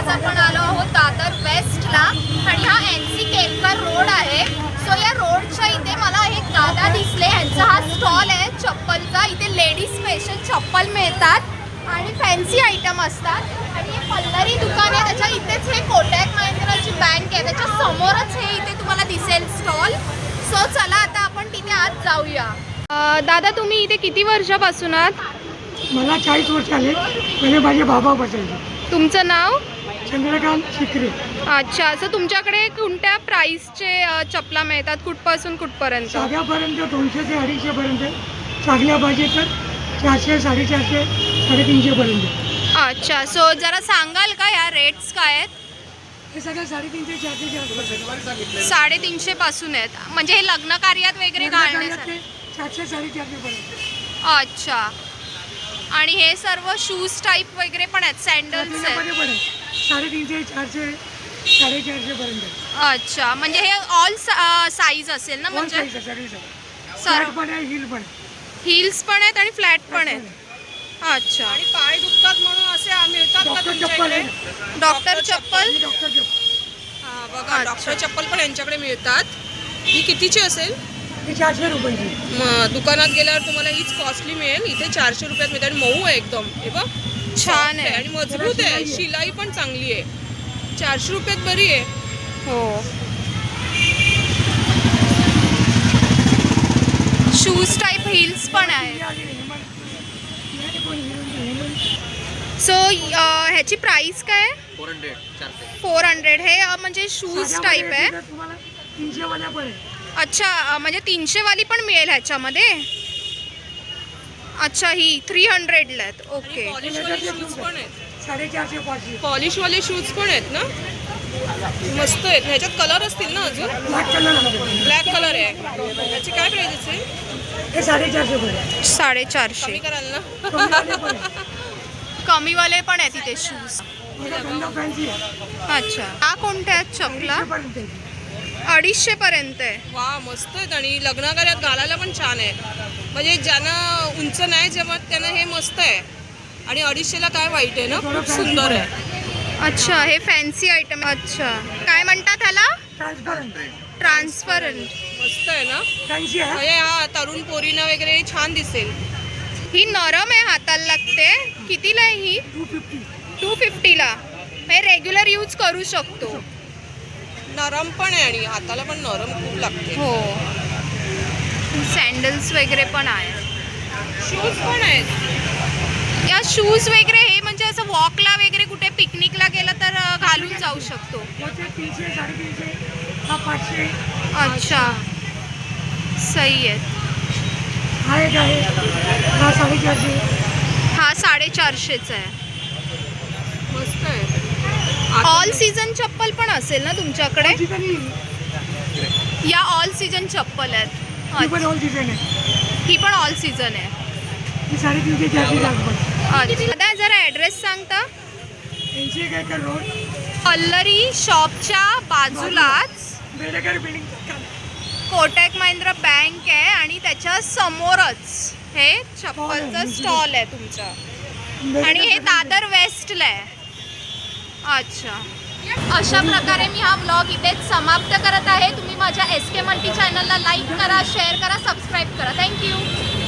आपण आलो आहोत दादर वेस्टला आणि हा NC केळकर रोड आहे. सो या रोडच्या इथे मला एक दादा दिसले, यांचा हा स्टॉल आहे चप्पलचा. इथे लेडीज स्पेशल चप्पल मिळतात आणि फॅन्सी आयटम असतात आणि हे पल्लरी दुकान आहे. त्याच्या इथेच हे कोटक महिंद्राची बँक आहे, त्याच्या समोरच हे इथे तुम्हाला दिसेल स्टॉल. सो चला आता आपण तिथे आज जाऊया. दादा तुम्ही इथे किती वर्षापासून आहात? मला 40 वर्ष आले. पहिले माझे बाबा बसायचे. तुमचं नाव? चंद्रकांत शिकरे. अच्छा, असं तुमच्याकडे कोणत्या प्राईसचे चपला मिळतात, कुठपासून कुठपर्यंत? साध्यापर्यंत 200 ते 250 पर्यंत, चांगल्या पाहिजे तर 400, 450, 350 पर्यंत. अच्छा, सो जरा सांगाल का या रेट्स काय आहेत? हे सगळं 350, 400 350 पासून आहेत, म्हणजे हे लग्न कार्यात वगैरे घालण्यासाठी. 400, 450 पर्यंत. अच्छा, आणि हे सर्व शूज टाईप वगैरे पण आहेत, सँडल्स आहेत. 350, 400, 450 पर्यंत. अच्छा, म्हणजे हे ऑल साईज असेल ना? म्हणजे फ्लॅट पण आहे, हिल पण. हिल्स पण आहेत आणि फ्लॅट पण आहेत. अच्छा, आणि पाय दुखतात म्हणून असे मिळतात का डॉक्टर चप्पल तुमच्याकडे? आहे. डॉक्टर चप्पल. डॉक्टर चप्पल हा बघा, डॉक्टर चप्पल पण यांच्याकडे मिळतात. ही कितीची असेल? ही 400 रुपयाची. दुकानात गेल्यावर तुम्हाला हीच कॉस्टली मिळेल. इथे 400 रुपयात मिळते आणि मऊ आहे एकदम. हे बघ, छान आहे आणि मजबूत आहे, शिलाई पण चांगली आहे. 400 रुपयात बरी आहे. हो. शूज टाईप हिल्स पण आहे. सो ह्याची प्राइस काय आहे? 400. हे म्हणजे शूज टाईप आहे. तुम्हाला 300 वाल्या पण आहे. अच्छा, म्हणजे 300 वाली पण मिळेल ह्याच्यामध्ये. अच्छा, ही 300ला आहेत. ओके. पॉलिशवाले शूज पण आहेत. 450, 500. पॉलिशवाले शूज पण आहेत ना, मस्त आहेत. ह्याच्यात कलर असतील ना अजून? ब्लॅक कलर आहे. ब्लॅक कलर आहे. याची काय प्राइस असेल? हे 450 पर्यंत. 450. कमी कराल ना? कमीवाले पण आहे. कमीवाले पण आहेत इथे शूज. बघा, गंगा फॅन्सी आहे. अच्छा, हा कोणत्या आहेत चपला? 250 पर्यंत आहे. 250 पर्यंत आहे. वा, मस्त आहेत आणि लग्नाकार्यात घालायला पण छान आहे. म्हणजे ज्यांना उंच नाही जमत त्यांना हे मस्त आहे. आणि 250ला काय वाईट आहे ना, खूप सुंदर आहे. अच्छा, हे फॅन्सी आयटम. अच्छा, काय म्हणतात ह्याला? ट्रान्सपरंट. ट्रान्सपरंट. मस्त आहे ना, फॅन्सी आहे. म्हणजे हा तरुण पोरींना वगैरे छान दिसेल. ही नरम आहे, हाताला लागते. कितीला आहे ही? 250. 250ला. हे रेग्युलर यूज करू शकतो. नरम पण आहे आणि हाताला पण नरम खूप लागते. हो. सँडल्स वगैरे पण आहे. शूज पण आहेत. या शूज वगैरे हे म्हणजे असं वॉकला वगैरे कुठे पिकनिकला गेलं तर घालून जाऊ शकतो. मोठे 300, 350, हा 500. अच्छा, सही आहे. हा एक आहे, हा 450. हा 450चा आहे. मस्त आहे. ऑल सीझन चप्पल पण असेल ना तुमच्याकडे? ठिकाणी या ऑल सीझन चप्पल आहेत. ही पण ऑल डिझाईन आहे. ही पण ऑल सीझन आहे. ही 350, 400 लागतात. अच्छा, दादा जरा ॲड्रेस सांगता? NC केळकर रोड, पल्लरी शॉपच्या बाजूलाच बेडेकर बिल्डिंग. कोटक महिंद्रा बँक आहे आणि त्याच्या समोरच हे चप्पलचं स्टॉल आहे तुमचं. आणि हे दादर वेस्टला आहे. अच्छा, अशा प्रकारे मी हा व्लॉग इथेच समाप्त करत आहे. तुम्ही माझ्या SK मल्टी चॅनलला लाईक करा, शेअर करा, सबस्क्राईब करा. थँक्यू.